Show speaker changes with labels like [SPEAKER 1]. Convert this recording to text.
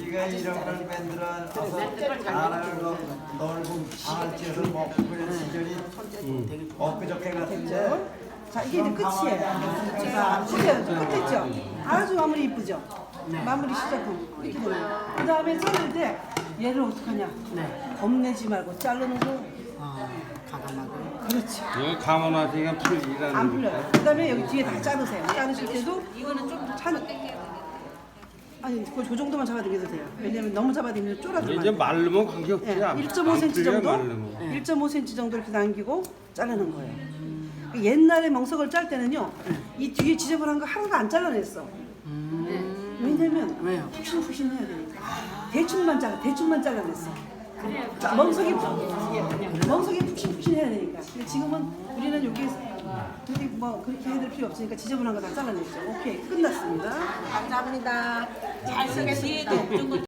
[SPEAKER 1] 우리가 이런 걸 만들어 나라를 넓은 방을지어서 먹고 그런 시절이 엊그저께 같은데.
[SPEAKER 2] 자, 이게 이제 끝이에요. 자, 보세요. 끝했죠? 아주 마무리 이쁘죠? 마무리 시작은 이렇게 되나요? 그 다음에 자를 때 얘를 어떡하냐? 겁내지 말고 자르는 거.
[SPEAKER 3] 가감하고.
[SPEAKER 2] 그렇지.
[SPEAKER 4] 이거 감원하시니까 풀리라는
[SPEAKER 2] 안 풀려요. 그 다음에 여기 뒤에 다 자르세요. 자르실 때도
[SPEAKER 3] 이거는 좀
[SPEAKER 2] 아니, 그 정도만 잡아당겨도 돼요. 왜냐면 너무 잡아당기면
[SPEAKER 4] 이제
[SPEAKER 2] 쫄아들어요.
[SPEAKER 4] 말르면 관계없지.
[SPEAKER 2] 예,
[SPEAKER 4] 안
[SPEAKER 2] 1.5cm
[SPEAKER 4] 풀려요,
[SPEAKER 2] 정도,
[SPEAKER 4] 말르면.
[SPEAKER 2] 1.5cm 정도 이렇게 남기고 자르는 거예요. 옛날에 멍석을 짤 때는요, 이 뒤에 지저분한 거 하나도 안 잘라냈어. 왜냐면
[SPEAKER 3] 왜요?
[SPEAKER 2] 푹신푹신 해야 되니까. 대충만 잘라냈어. 멍석이 푹신푹신 해야 되니까. 근데 지금은 우리는 여기 뭐 그렇게 해야 될 필요 없으니까 지저분한 거 다 잘라냈죠. 오케이, 끝났습니다.
[SPEAKER 3] 감사합니다. 잘 쓰겠습니다.